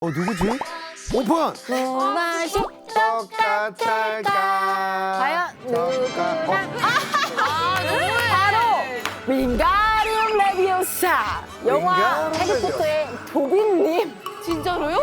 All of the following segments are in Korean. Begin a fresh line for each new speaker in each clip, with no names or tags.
누구지? 오픈!
무맛이
똑같을까?
과연 누가?
누구야?
바로 윙가리움 레비오사 영화
윙가리움
해리포터의 도빈님.
진짜로요?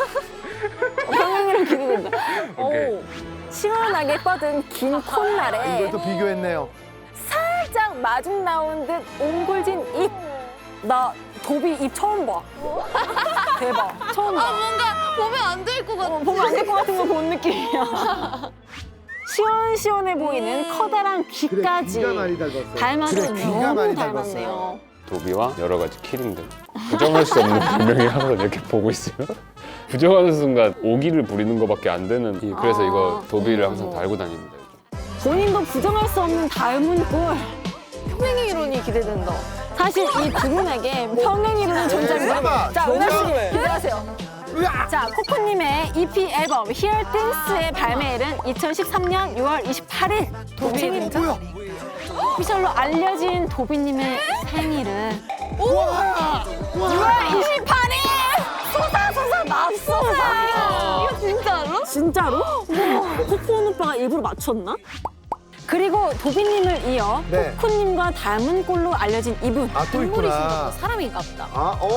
평행이랑 기대된다.
오케이.
오, 시원하게 뻗은 긴 콧날에
이걸 또 비교했네요.
살짝 마중 나온 듯 옹골진 입. 나 도비 입 처음 봐. 대박. 처음 봐.
뭔가 보면 안 될 것 같아.
보면 안 될 것 같은 거 본 느낌이야. 시원시원해 보이는 커다란 귀까지
귀가 많이 닮았어.
닮아서
그래, 귀가
너무
많이
닮았네요.
도비와 여러 가지 키링들. 부정할 수 없는 별명이 항상 이렇게 보고 있으면 부정하는 순간 오기를 부리는 것밖에 안 되는 그래서 이거 도비를 항상 달고 다닙니다.
본인도 부정할 수 없는 닮은 꼴.
평행 이론이 기대된다.
사실 이 두 분에게 평행이론은 존재합니다.
설마,
자, 은하 씨
정답을.
기대하세요.
으악!
자, 코코님의 EP 앨범 Here Things의 발매일은 2013년 6월 28일. 도비입니다.
뭐야?
오피셜로 알려진 도비님의 생일은
와!
6월 28일! 소사소사 맙소사!
이거 진짜로?
진짜로? 코코온 오빠가 일부러 맞췄나? 그리고 도비님을 이어
네.
코코님과 닮은 꼴로 알려진 이분.
아, 또 있구나.
사람인가 보다.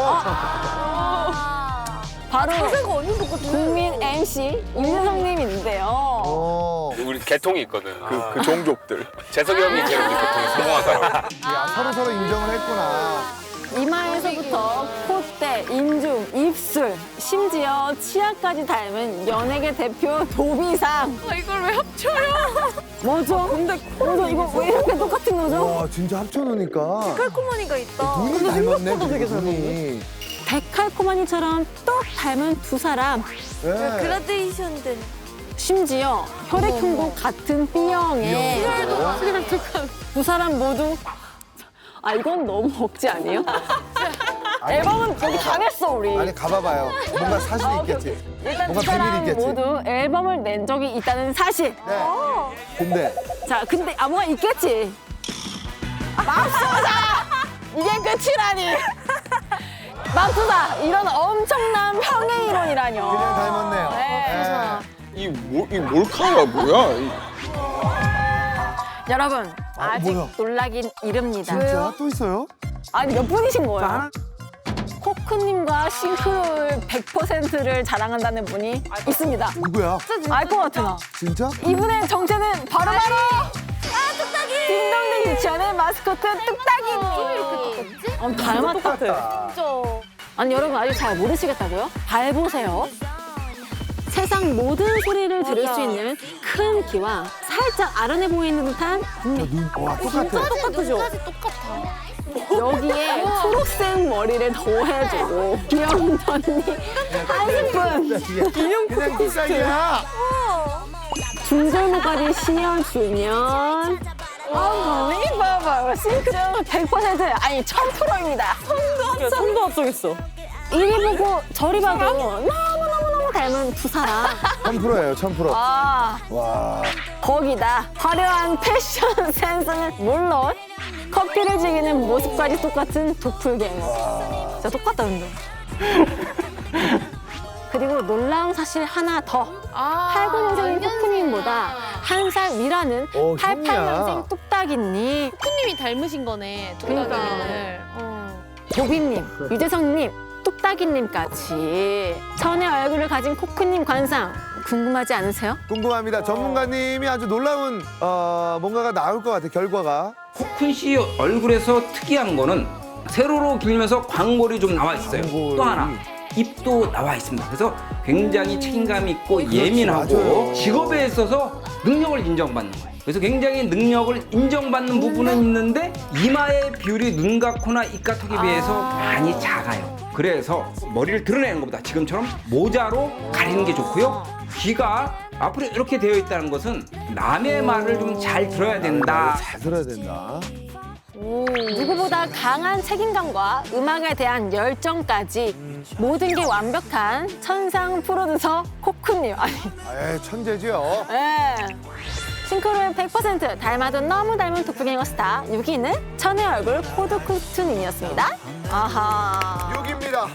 바로
자세가 완전 똑같아.
국민 MC 윤여성님인데요.
우리 개통이 있거든.
그 종족들.
재석이 형이 제일 우리 개통에 성공한 사람.
야, 서로 인정을 했구나.
이마에서부터 콧대, 인중, 입술, 심지어 치아까지 닮은 연예계 대표 도비상.
이걸 왜 합쳐요?
맞아. 근데 이거 왜 이렇게 똑같은 거죠?
와, 진짜 합쳐놓으니까.
칼코머니가 있다.
눈이 닮았네, 눈이.
데칼코마니처럼 똑 닮은 두 사람.
네.
그라데이션 된.
심지어 혈액형도 같은 B형에 두 사람 모두 이건 너무 억지 아니에요? 앨범은 거기 다 냈어 우리.
아니, 가봐봐요. 뭔가 사실이 있겠지.
일단 두
뭔가
사람
비밀이 있겠지.
모두 앨범을 낸 적이 있다는 사실.
네. 근데
자, 근데 뭐가 있겠지. 맙소사! 이게 끝이라니. 맙소사! 이런 엄청난 평행 이론이라뇨.
그냥 닮았네요.
네.
이 몰카가 뭐야?
여러분, 아직
뭐야?
놀라긴 이릅니다.
진짜? 또 있어요?
아니, 몇 분이신 거예요?
하나?
코크님과 싱크로율 100%를 자랑한다는 분이 있습니다.
누구야?
알 것 같아, 나.
진짜?
이분의 정체는 바로바로 뚝딱이! 딩동댕 유치원의 마스코트 뚝딱이님. 닮았다.
진짜.
아니, 여러분 아직 잘 모르시겠다고요? 잘 보세요. 세상 모든 소리를 들을 수 있는 큰 귀와 살짝 아른해 보이는 듯한 눈.
와, 똑같아.
똑같죠?
눈까지 똑같아.
여기에 초록색 머리를 더해주고 귀여운 언니 한 스푼.
그냥 뚝딱이야.
중절모가리 신여주면 봐봐요. 싱크로 100% 아니 1000%입니다. 손도 합성했어. 이리 보고 저리 봐도 너무너무너무 닮은 두 사람.
1000%예요, 1000%. 와.
거기다 화려한 패션 센스는 물론 커피를 즐기는 모습까지 똑같은 도플갱어. 진짜 똑같다 근데. 그리고 놀라운 사실 하나 더. 89년생인 코코님보다 한 살 위라는
오,
88년생 뚝딱이님.
코님이 닮으신 거네.
그러니까.
뚝딱이님을.
도비님, 유재석님, 뚝딱이님까지 천의 얼굴을 가진 코크님 관상 궁금하지 않으세요?
궁금합니다. 전문가님이 아주 놀라운 뭔가가 나올 것 같아요, 결과가.
코쿤 씨 얼굴에서 특이한 거는 세로로 길면서 광골이 좀 나와 있어요.
광골이.
또 하나 입도 나와 있습니다. 그래서 굉장히 책임감이 있고
그렇지,
예민하고
맞아요.
직업에 있어서 능력을 인정받는 거예요. 그래서 굉장히 능력을 인정받는 부분은 있는데 이마의 비율이 눈과 코나 입과 턱에 비해서 많이 작아요. 그래서 머리를 드러내는 것보다 지금처럼 모자로 가리는 게 좋고요. 귀가 앞으로 이렇게 되어 있다는 것은 남의 말을 좀 잘 들어야 된다.
잘 들어야 된다.
누구보다 강한 책임감과 음악에 대한 열정까지 모든 게 완벽한 천상 프로듀서 코크님. 아니,
에이, 천재죠.
예. 싱크로율 100% 닮아도 너무 닮은 도플갱어 스타 6위는 천의 얼굴 코드쿠트님이었습니다. 아하.
6입니다.